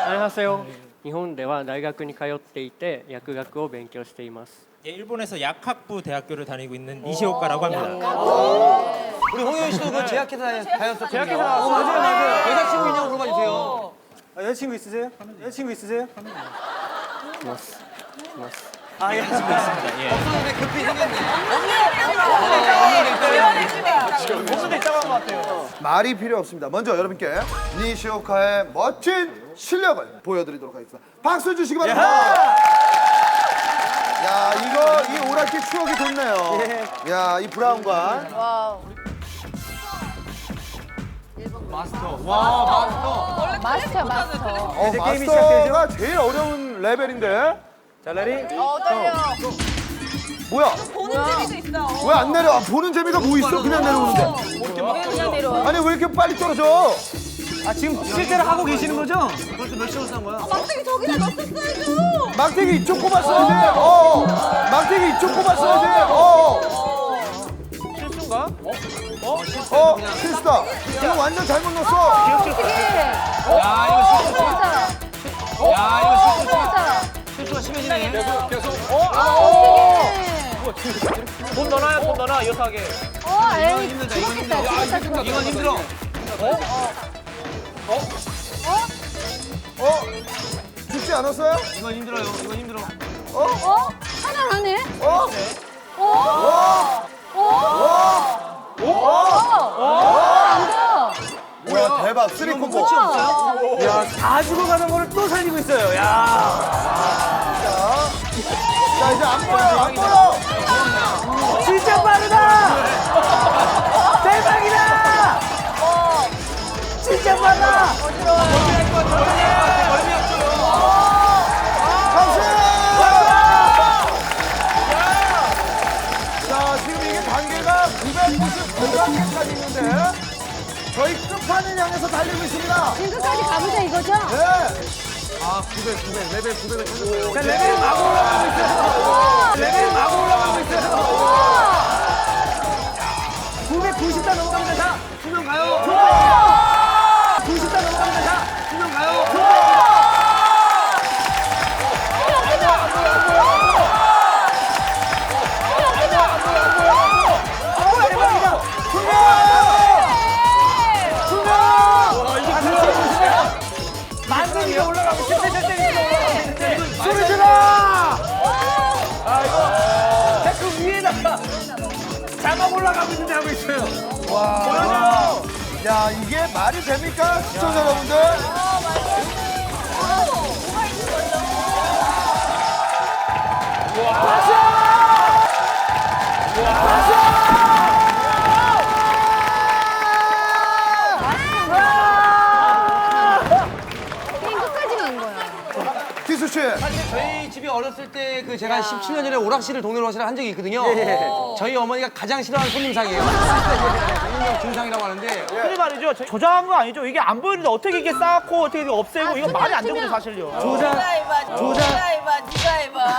안녕하세요. 日本では大学に通っていて薬学を勉強しています. 예, 일본에서 약학부 대학교를 다니고 있는 니시오카라고 합니다. 우리 홍현 씨도 그 제약회사에 다녔었거든요. 제약회사. 맞아요. 여자친구 있냐고 물어봐 주세요. 여자친구 있으세요? 여자친구 있으세요? います。います. 아, 예. 친구 있습니다. 예. 없었는데 급히 생겼네. 목소리 있다고 한 것 같아요. 말이 필요 없습니다. 먼저 여러분께 니시오카의 멋진 실력을 보여드리도록 하겠습니다. 박수 주시기 바랍니다. 야, 이거 이 오락기 추억이 돋네요. 야, 이 브라운관. 마스터. 마스터가 제일 어려운 레벨인데. 자, 레디. 떨려. 뭐야? 보는 재미도 있어. 왜 안 내려? 보는 재미가 뭐 있어? 그냥 내려오는데. 왜 그냥 내려와? 아니 왜 이렇게 빨리 떨어져? 아, 지금 실제로 하고 계시는 거죠? 벌써 몇 시간 산 거야? 막대기 저기다 넣었어야죠. 막대기 이쪽 꼽았어야지. 막대기 이쪽 꼽았어야지. 실수인가? 실수다. 이거 완전 잘못 넣었어. 야, 이거 실수. 야, 이거 실수. 실수가 심해지네. 돈 넣어놔요, 돈 넣어놔, 여사하게. 이건 힘들다. 이건 힘들어. 이건 힘들어. 죽지 않았어요? 이건 힘들어요. 이건 힘들어. 하나 하네. 뭐야 대박. 쓰리 콤보. 야, 다 죽어가는 거를 또 살리고 있어요. 야. 자 이제 안 보여. 안 보여. 진짜 빠르다! 대박이다! 진짜 빠르다! 박수! 자 지금 이게 단계가 999단계까지 있는데 저희 끝판을 향해서 달리고 있습니다. 지금까지 가보자 이거죠? 네. 레벨 900을 찾은 거예요. 자, 레벨이 막 올라가고 있어요. 레벨이 막 올라가고 있어요. 990단 넘어갑니다. 자, 수명 가요. 90단 넘어갑니다. 자, 수명 가요. 대박이다. 만등이 올라가고 소리 질러! 아, 이거 데크 위에다가 장갑 올라가고 있는데 하고 있어요. 와. 야 이게 말이 됩니까 시청자 여러분들? 게임 끝까지 간 거야. 기수 씨. 사실 저희 집이 어렸을 때 그 제가 17년 전에 오락실을 동네 오락실을 한 적이 있거든요. 저희 어머니가 가장 싫어하는 손님상이에요. 일명 중상이라고 하는데 흔히 말이죠. 조작한 거 아니죠? 이게 안 보이는데 어떻게 이게 쌓고 어떻게 이게 없애고 이거 말이 안 되거든요, 사실요. 네가 해봐.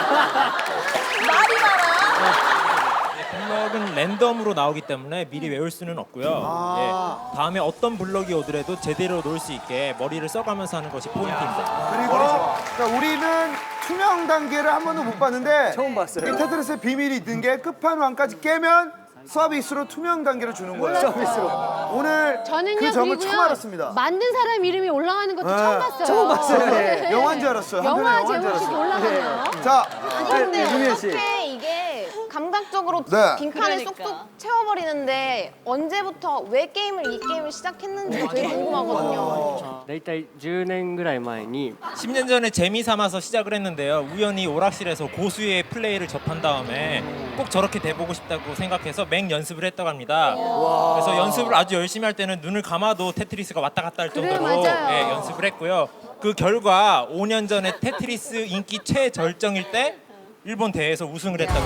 말이 많아. 블럭은 랜덤으로 나오기 때문에 미리 외울 수는 없고요. 예, 다음에 어떤 블럭이 오더라도 제대로 놓을 수 있게 머리를 써가면서 하는 것이 포인트입니다. 그리고 자, 우리는 투명 단계를 한 번도 못 봤는데 처음 봤어요. 이 테트리스의 비밀이 있는 게 끝판왕까지 깨면 서비스로 투명 단계를 주는 거예요. 서비스로. 오늘 저는요 그 점을 그리고요 처음 알았습니다. 만든 사람 이름이 올라가는 것도 네. 처음 봤어요. 처음 봤어요. 네. 영화인 줄 알았어요. 한편의 영화 영화인 줄 제목식이 알았어요. 올라가네요. 자, 근데 유미애 씨. 어떻게 이게 감각적으로 네. 빈칸을 쏙쏙 채워버리는데 언제부터 왜 이 게임을 시작했는지가 되게 궁금하거든요. だいたい10年ぐらい前に 10년 전에 재미 삼아서 시작을 했는데요. 우연히 오락실에서 고수의 플레이를 접한 다음에 꼭 저렇게 돼보고 싶다고 생각해서 맹 연습을 했다고 합니다. 그래서 연습을 아주 열심히 할 때는 눈을 감아도 테트리스가 왔다 갔다 할 그래, 정도로 맞아요. 예, 연습을 했고요. 그 결과 5년 전에 테트리스 인기 최절정일 때 일본 대회에서 우승을 했다고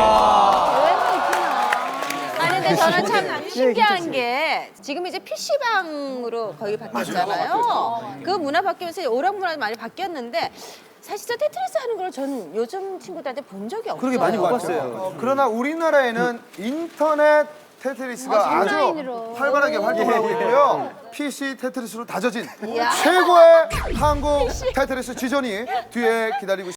합니다. 아니 근데 저는 참 신기한 게 지금 이제 PC방으로 거의 바뀌었잖아요. 그 문화 바뀌면서 오락 문화도 많이 바뀌었는데 사실 저 테트리스 하는 걸 저는 요즘 친구들한테 본 적이 없어요. 그러게 많이 못 봤어요. 그러나 우리나라에는 인터넷 테트리스가 아주 온라인으로. 활발하게 활동을 하고 있고요. PC 테트리스로 다져진 이야. 최고의 한국 테트리스 지존이 뒤에 기다리고 있습니다.